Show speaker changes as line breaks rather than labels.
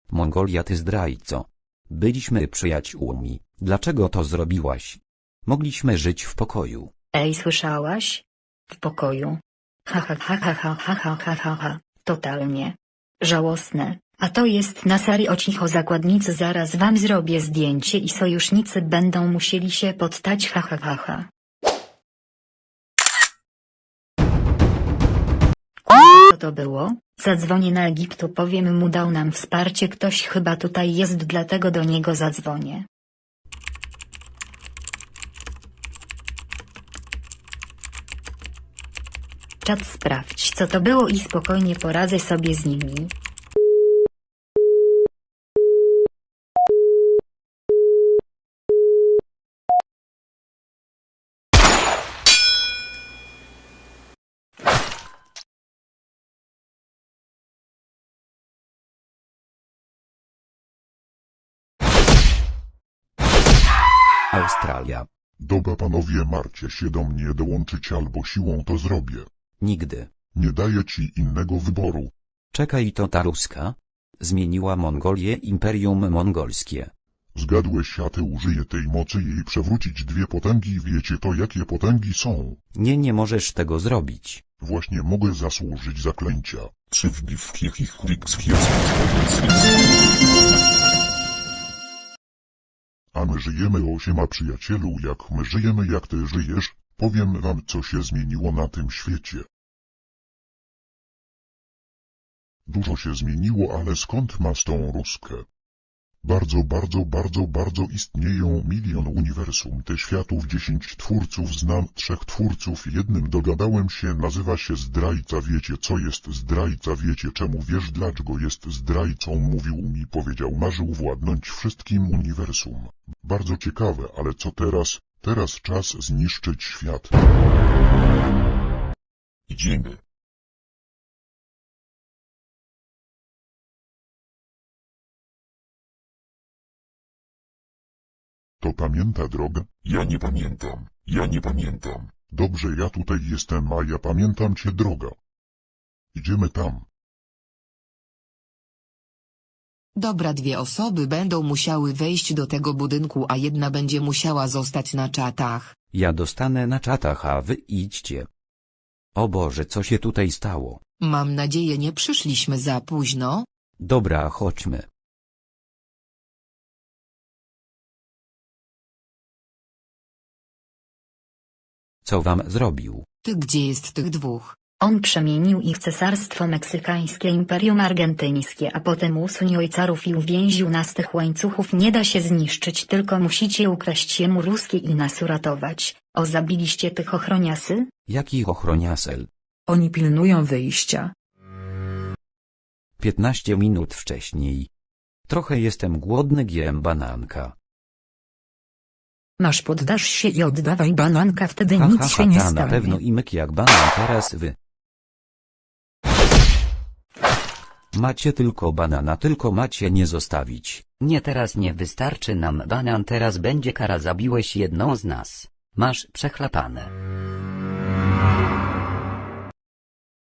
Mongolia, ty zdrajco. Byliśmy przyjaciółmi, dlaczego to zrobiłaś? Mogliśmy żyć w pokoju.
Ej, słyszałaś? W pokoju. Ha ha ha ha ha ha ha ha ha ha. Totalnie. Żałosne. A to jest na serio, cicho zakładnicy, zaraz wam zrobię zdjęcie i sojusznicy będą musieli się poddać, ha ha ha ha. Co to było? Zadzwonię na Egiptu, powiem mu, dał nam wsparcie, ktoś chyba tutaj jest, dlatego do niego zadzwonię. Czat, sprawdź co to było i spokojnie poradzę sobie z nimi.
Australia.
Dobra panowie, marcie się do mnie dołączyć albo siłą to zrobię.
Nigdy.
Nie daję ci innego wyboru.
Czekaj, to ta ruska? Zmieniła Mongolię, imperium mongolskie.
Zgadłeś, a ty użyję tej mocy jej przewrócić dwie potęgi. Wiecie to, jakie potęgi są?
Nie możesz tego zrobić.
Właśnie mogę zasłużyć zaklęcia. A my żyjemy 8 przyjacielu, jak my żyjemy, jak ty żyjesz, powiem wam, co się zmieniło na tym świecie. Dużo się zmieniło, ale skąd masz tą ruskę? Bardzo istnieją milion uniwersum, te światów, 10 twórców, znam 3 twórców, jednym dogadałem się, nazywa się zdrajca. Wiecie co jest zdrajca? Wiecie czemu? Wiesz dlaczego jest zdrajcą? Mówił mi, powiedział, marzył władnąć wszystkim uniwersum. Bardzo ciekawe, ale co teraz? Teraz czas zniszczyć świat.
Idziemy.
To pamięta drogę?
Ja nie pamiętam.
Dobrze, ja tutaj jestem, a ja pamiętam cię, droga. Idziemy tam.
Dobra, 2 osoby będą musiały wejść do tego budynku, a jedna będzie musiała zostać na czatach.
Ja dostanę na czatach, a wy idźcie. O Boże, co się tutaj stało?
Mam nadzieję, nie przyszliśmy za późno.
Dobra, chodźmy. Co wam zrobił?
Ty, gdzie jest tych 2?
On przemienił ich cesarstwo meksykańskie, imperium argentyńskie, a potem usunił ojcarów i uwięził nas. Tych łańcuchów nie da się zniszczyć, tylko musicie ukraść jemu ruskie i nas uratować. O, zabiliście tych ochroniasy?
Jakich ochroniasel?
Oni pilnują wyjścia.
15 minut wcześniej. Trochę jestem głodny, jem bananka.
Masz, poddasz się i oddawaj bananka, wtedy
Ha,
nic
ha,
się
ha,
nie
ta,
stanie.
na pewno i myk jak banan, teraz wy. Macie tylko banana, tylko macie nie zostawić.
Nie, teraz nie wystarczy nam banan, teraz będzie kara, zabiłeś jedną z nas. Masz przechlapane.